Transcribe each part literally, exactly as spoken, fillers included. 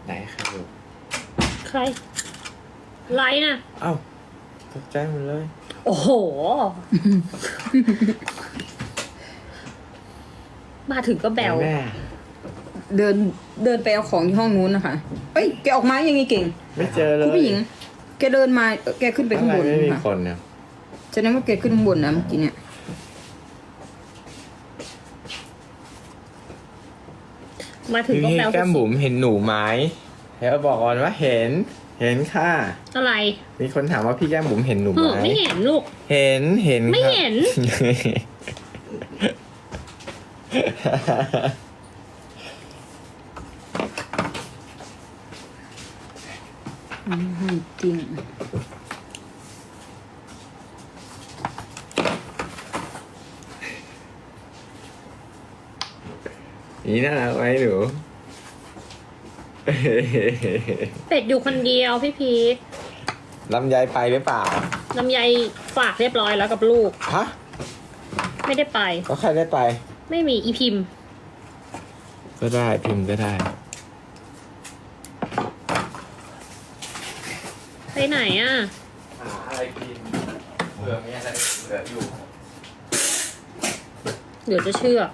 ไหนใครอยู่ใครไลน์น่ะเอ้าตกใจหมดเลยโอ้โห มาถึงก็แบวแม่เดินเดินไปเอาของที่ห้องนู้นนะคะเอ้ยแกออกมายังไงเก่งไม่เจอเลยคุณผู้หญิง แกเดินมาแกขึ้นไปข้างบนไม่มีค่ะคนเนี่ยฉะนั้นว่าแกขึ้นข้างบนนะเมื่อกี้เนี่ยมาถึงพี่ก็พี่แบวแก้มบุ๋มเห็นหนูไหมเดี๋ยวบอกก่อนว่าเห็น เห็นค่ะอะไรมีคนถามว่าพี่แก้มบุ๋มเห็นหนูเอไหมอไม่เห็นลูกเห็นเห็นไม่ครับเห็นอืมจริงนี่น่ารักไหมหนูเป็ดอยู่คนเดียวพี่พีทลำไยไปหรือเปล่าลำไยฝากเรียบร้อยแล้วกับลูกฮะไม่ได้ไปก็ใครได้ไปไม่มีอีพิมพ์ก็ได้พิมพ์ก็ได้ไปไหนอ่ะหาอะไรกินเผื่อมีอะไรเหลืออยู่เดี๋ยวจะเชื่อ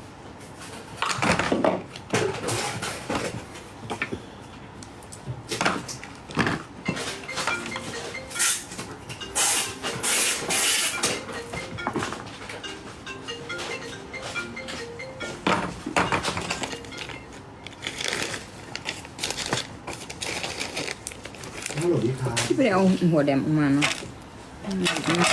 ฮัลโหลพี่ครับที่ไปเอาหัวแดมออกมาเนาะอืม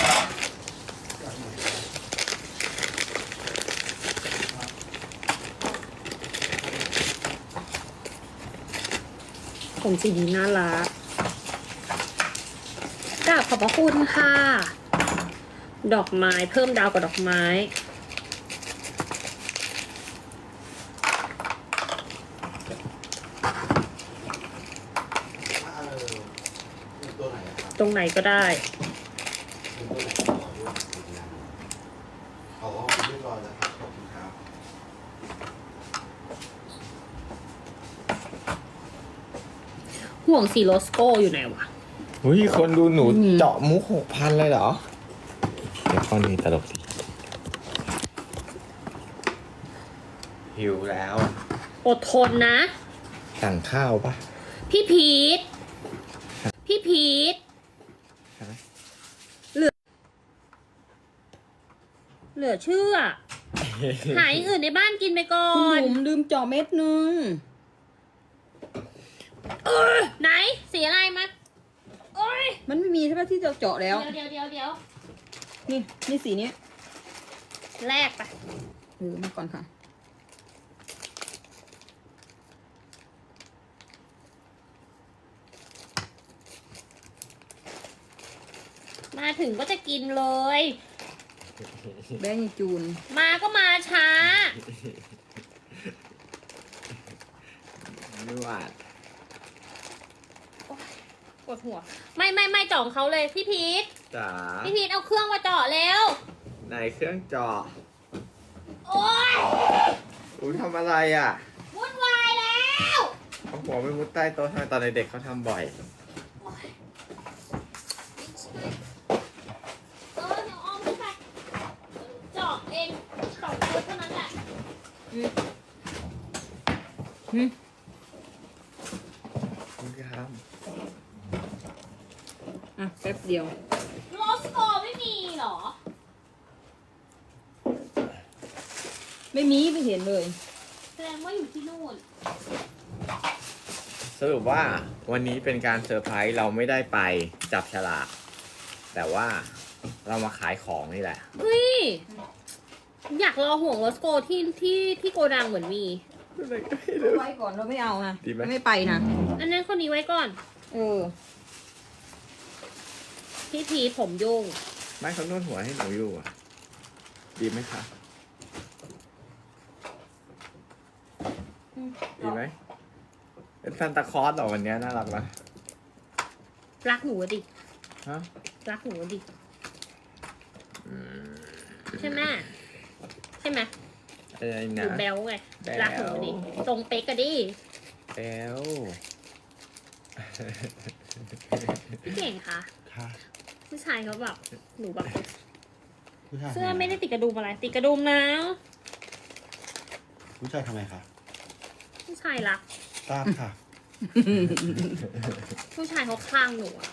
ผมสีนี้น่ารักกราบขอบพระคุณค่ะ ดอกไม้เพิ่มดาวกับดอกไม้เออเป็นตัวไหนอะครับตรงไหนก็ได้เป็นตัวไหนขอด้วยอ๋อเรียบร้อยแล้วครับขอบคุณครับห่วงสีโรสโก้อยู่ไหนวะอุ้ยคนดูหนูเจาะมุกหกพันเลยเหรอ เดี๋ยวข้อนี้ตลกสิหิวแล้วอดทนนะสั่งข้าวปะพี่พีทพี่พีทฮะเหลือเชื่อ หาอย่างอื่นในบ้านกินไปก่อคุณนบุ๋มลืมเจาะเม็ดนึงเออไหนสีอะไรมาโอ้ยมันไม่มีใช่ไหมที่จะเจาะแล้วเดี๋ยวเดี๋ยวเดี๋ยวนี่นี่สีเนี้ยแลกไปเออมาก่อนค่ะมาถึงก็จะกินเลยแบงค์จูนมาก็มาช้าไม่หวาดปวดหัว ไม่ไม่ไม่จ่องเขาเลยพี่พีทจ๋าพี่พีทเอาเครื่องมาเจาะแล้วไหนเครื่องเจาะโอ๊ยอุ้ยทำอะไรอ่ะวุ่นวายแล้วเขาหัวไม่มุดใต้โต๊ะทำไมตอนเด็กๆเขาทำบ่อยเออเดี๋ยวอ้อมขึ้นไปเจาะเองสองคนเท่านั้นแหละอืมอืมคุณครับอ่ะแป๊บเดียวโรสโกไม่มีเหรอไม่มีไม่เห็นเลยแสดงว่าอยู่ที่นู่นสรุปว่าวันนี้เป็นการเซอร์ไพรส์เราไม่ได้ไปจับฉลาก แต่ว่าเรามาขายของนี่แหละเฮ้ย อยากรอห่วงโรสโกที่ที่ที่โกดังเหมือนมีไว้ก่อนเราไม่เอานะดีไหมไม่ไปนะอันนั้นคนนี้ไว้ก่อนเออพี่พีทผมยุ่งไม่เขานวดหัวให้หนูอยู่อ่ะ ดีไหมคะดีไหมเป็นซันตาคลอสเหรอวันนี้น่ารักนะรักหนูอะดิฮะรักหนูอะดิอืมใช่ไหมใช่ไหมอะไรหนะนูแบลไงแบ๊วรักหนูอะดิ ตรงเป๊กอะดิแล้วพี่เก่งคะค่ะผู้ชายเขาแบบหนูแบบผู้ชายเสื้อไม่ได้ติดกระดุมอะไร ติดกระดุมนะผู้ชายทำไมคะผู้ชายรักทราบค่ะผู้ชายเขาคลั่งหนูอะ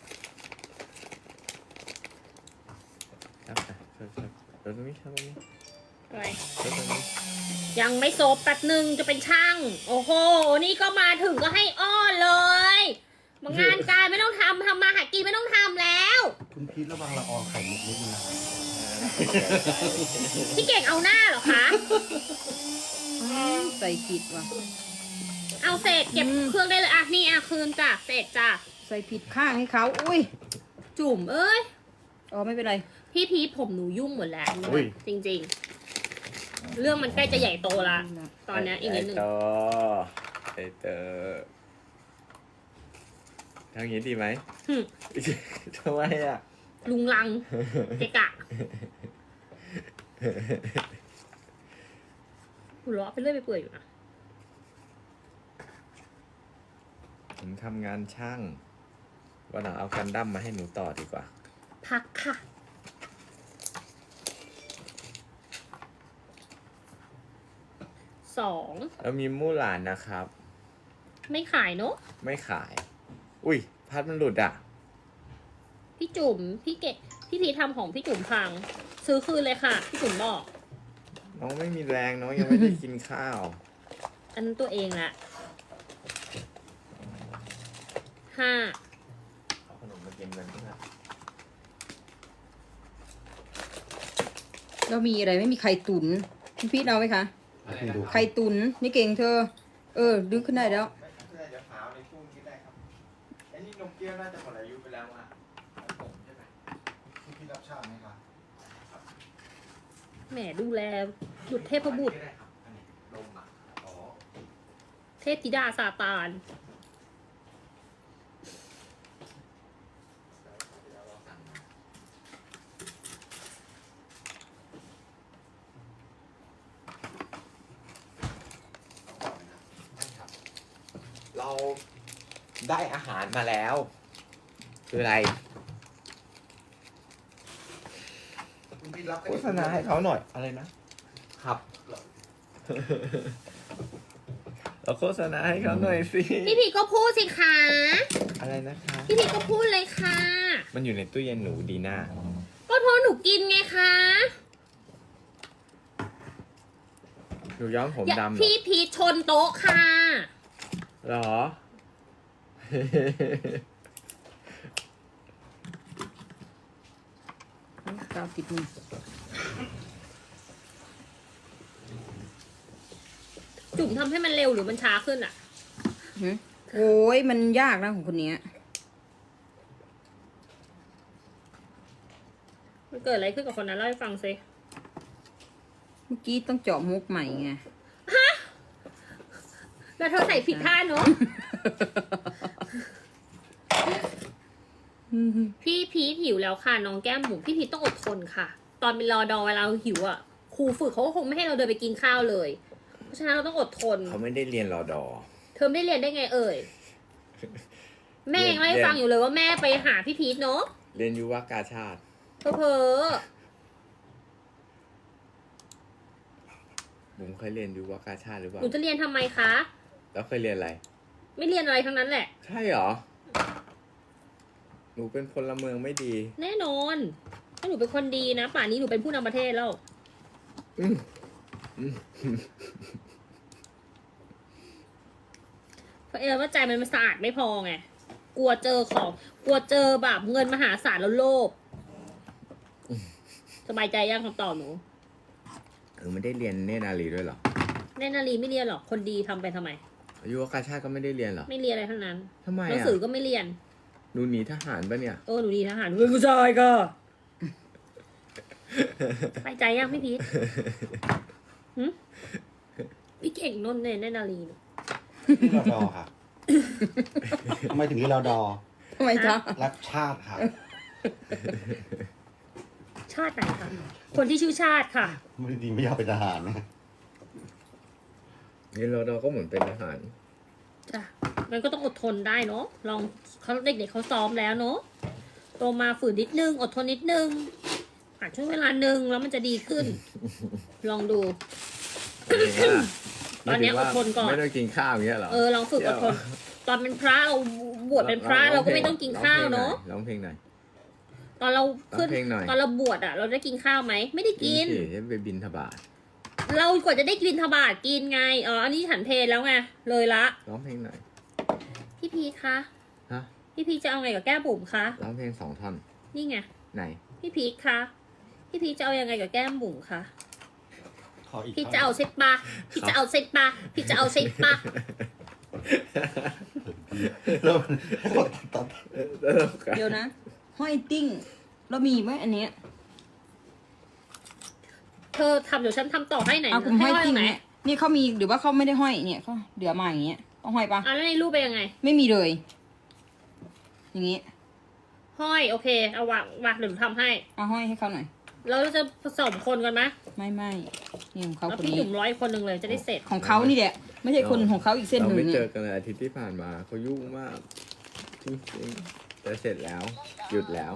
ครับครับครับตรงนี้ครับตรงนี้อะไรตรงนี้ยังไม่โซบแป๊บหนึ่งจะเป็นช่าง โอ้โห นี่ก็มาถึงก็ให้อ้อนเลยมางานการไม่ต้องทำทำมาหากินไม่ต้องทำแล้วคุณพีทระวังละอองไข่มุกนิดนึงนะพี่เก่งเอาหน้าเหรอคะใส่ผิดว่ะเอาเศษเก็บอืมเครื่องได้เลยอ่ะนี่อ่ะคืนจ้ะเศษจ้ะใส่ผิดข้างให้เขาอุ้ยจุ่มเอ้ยอ๋อไม่เป็นไรพี่พีทผมหนูยุ่งหมดแล้วอุ้ยจริงๆ เรื่องมันใกล้จะใหญ่โตละ ตอนเนี้ยอีกนิดนึงไอโตไอเตอทางนี้ดีไหมหึทำไมอ่ะลุงลังเกะกะหัวเราะไปเรื่อยไปเปื่อยอยู่นะผมทำงานช่าง วันหลังเอากันดั้มมาให้หนูต่อดีกว่าพักค่ะ สองแล้วมีมู่หลานนะครับไม่ขายเนอะไม่ขาย อุ้ย พัดมันหลุดอ่ะพี่จุ๋มพี่เกะพี่พีททำของพี่จุ๋มพัง ซื้อคืนเลยค่ะ พี่จุ๋มบอกน้องไม่มีแรงน้องยังไม่ได้กินข้าวอันนั้นตัวเองแหละห้าเอาขนมมากินกันเพื่อนเรามีอะไรไม่มีไข่ตุ๋นพี่พีทเอาไหมคะคุณดูไข่ตุ๋นนี่เก่งเธอ เออ ดึงขึ้นได้แล้วไม่เดี๋ยวหาในช่วงนี้ได้ครับไอ้นี่นมเกี้ยวน่าจะหมดอายุไปแล้วอ่ะของผมใช่ไหมคุณพีทรับชาไหมคะแหมดูแลบุตรเทพบุตรได้ครับอันนี้นมอ่ะอ๋อเทพธิดาซาตานเราได้อาหารมาแล้ว คืออะไรคุณพีทรับโฆษณาให้เขาหน่อยอะไรนะ ครับ เราโฆษณาให้เขาหน่อยสิพี่พีก็พูดสิคะอะไรนะคะพี่พีก็พูดเลยค่ะมันอยู่ในตู้เย็นหนูดีน่าก็เพราะหนูกินไงคะหนูย้อมผมอย่าดำเหรอพี่พีชนโต๊ะค่ะเหรอกาวติดมือจุ่มทำให้มันเร็วหรือมันช้าขึ้นอ่ะหึโอ้ยมันยากนะของคนเนี้ยมันเกิดอะไรขึ้นกับคนนั้นเล่าให้ฟังซิเมื่อกี้ต้องเจาะมุกใหม่ไงแล้วเธอใส่ผิดท่าเนอะ พี่พีทหิวแล้วค่ะน้องแก้มหมูพี่พีทต้องอดทนค่ะ ตอนเป็นรอดอเวลาเราหิวอ่ะครูฝึกเขาก็คงไม่ให้เราเดินไปกินข้าวเลย เพราะฉะนั้นเราต้องอดทนเขาไม่ได้เรียนรอดอเธอไม่ได้เรียนได้ไงเอ่ย แม่ยังเล่าให้ฟังอยู่เลยว่าแม่ไปหาพี่พีทเนาะเรียนยุวกาชาติเพอเพอบุ๋มเคยเรียนยุวกาชาติหรือเปหล่านูจะเรียนทำไมคะแล้วเคยเรียนอะไรไม่เรียนอะไรทั้งนั้นแหละใช่เหรอ หนูเป็นพลเมืองไม่ดีแน่นอนถ้าหนูเป็นคนดีนะป่านนี้หนูเป็นผู้นำประเทศแล้วอืมอืมเพราะเออว่าใจมันมันสะอาดไม่พอไง กลัวเจอของ กลัวเจอแบบเงินมหาศาลแล้วโลภ สบายใจยังคำตอบหนูเออไม่ได้เรียนเนตรนารีด้วยเหรอแน่นารีไม่เรียนหรอก คนดีทำไปทำไมยุวกาชาติก็ไม่ได้เรียนเหรอไม่เรียนอะไรทั้งนั้นทำไมหนังอ่ะสือก็ไม่เรียนหนูหนีทหารปะเนี่ยเออหนูดีทหารหนูเป็นผู้ชายก็สบายใจยังพี่พีทหึพี่เก่งนนท์เนี่ยแน่นารีเนี่ยนี่รอดอค่ะ ทำไมถึงนี่รอดอทำไมจ๊ะรักชาติค่ะชาติไหนคะ คนที่ชื่อชาติค่ะไม่ดีไม่อยากเป็นทหารนะนี่รอดอก็เหมือนเป็นทหารมันก็ต้องอดทนได้เนาะลองเขาเด็กๆเขาซ้อมแล้วเนาะโตมาฝืนนิดนึงอดทนนิดนึงผ่านช่วงเวลาหนึ่งแล้วมันจะดีขึ้น ลองดู ตอนเนี้ยอดทนก่อนไม่ต้องกินข้าวอย่างเงี้ยเหรอเออลองฝึกอดทนตอนเป็นพระเราบวชเป็นพระเราก็ไม่ต้องกินข้าวเนาะร้องเพลงหน่อยตอนเราขึ้นร้องเพลงหน่อยตอนเราบวชอ่ะ เราได้กินข้าวไหมไม่ได้กินสิให้ไปบินทบาทเรากว่าจะได้กินทบาทกินไงอ๋ออันนี้ฉันเพลแล้วไงเลยละร้องเพลงหน่อยพี่พีคะฮะพี่พีจะเอาไงกับแก้มบุ๋มคะร้องเพลงสองท่อนนี่ไงไหนพี่พีคะพี่พีจะเอายังไงกับแก้มบุ๋มคะขออีกพี่จะเอาใช่ปะพี่จะเอาใช่ปะพี่จะเอาใช่ปะแล้วมันตัดเดี๋ยวนะ ห้อยติ้ง เรามีไหมอันเนี้ยเธอทำเดี๋ยวฉันทำต่อให้ไหนเอาผมห้อยติ้งไหนเนี่ยนี่เขามีหรือว่าเขาไม่ได้ห้อยเนี่ยเขาเดี๋ยวมาอย่างเงี้ยต้องห้อยปะอ่ะแล้วในรูปเป็นยังไงไม่มีเลย อย่างงี้ห้อยโอเคเอาวางวางเดี๋ยวหนูทำให้เอาห้อยให้เขาหน่อยแล้วเราจะผสมคนกันไหมไม่ไม่นี่ของเขาแล้วคนพี่นี้หนุ่มร้อยคนหนึ่งเลยจะได้เสร็จของเขานี่แหละ ไม่ใช่คนของเขาอีกเส้นหเรานึ่งไม่เจเนี่อย กันเลยอาทิตย์ที่ผ่านมาเขายุ่งมากจริงๆแต่เสร็จแล้ว หยุดแล้ว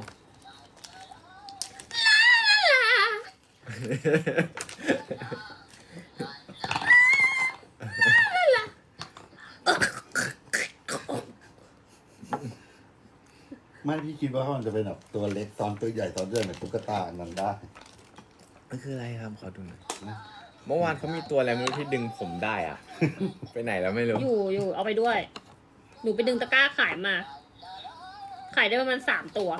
ไม่พี่คิดว่ามันจะเป็นแบบตัวเล็กซ้อนตัวใหญ่ซ้อนเรื่องแบบตุ๊กตาอันนั้นได้มันคืออะไรครับขอดูหน่อยนะเมื่อวานเขามีตัวอะไรไม่รู้ที่ดึงผมได้อะ ไปไหนแล้วไม่รู้อยู่อยู่เอาไปด้วย หนูไปดึงตะกร้าขายมา ขายได้ประมาณสามตัว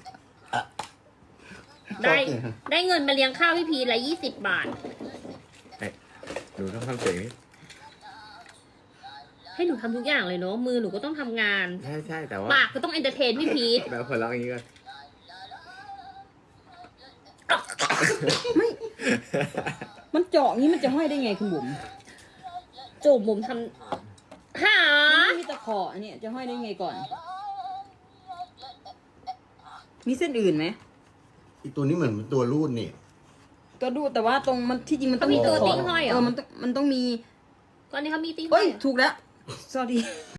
ได้ได้เงินมาเลี้ยงข้าวพี่พีละยี่สิบบาทหนูต้องทำเสียงนี้ให้หนูทำทุกอย่างเลยเนาะมือหนูก็ต้องทำงานใช่ใช่แต่ว่าปากก็ต้องเอนเตอร์เทนพี่พีทแบบคนร้องอย่างนี้ก็ไม่ มันเจาะงี้มันจะห้อยได้ไงคุณบุ๋มจูบมุมทำหามันไม่มีตะขออันเนี้ยจะห้อยได้ไงก่อน มีเส้นอื่นไหมอีกตัวนี้เหมือนเป็นตัวรูดนี่ก็ดูแต่ว่าตรงมันที่จริงมันต้องมีเขามีตัวตะขอติ้งห้อยเหรอเออมันต้องมันต้องมีตอนนี้เขามีติ้งเฮ้ยถูกแล้ว sorry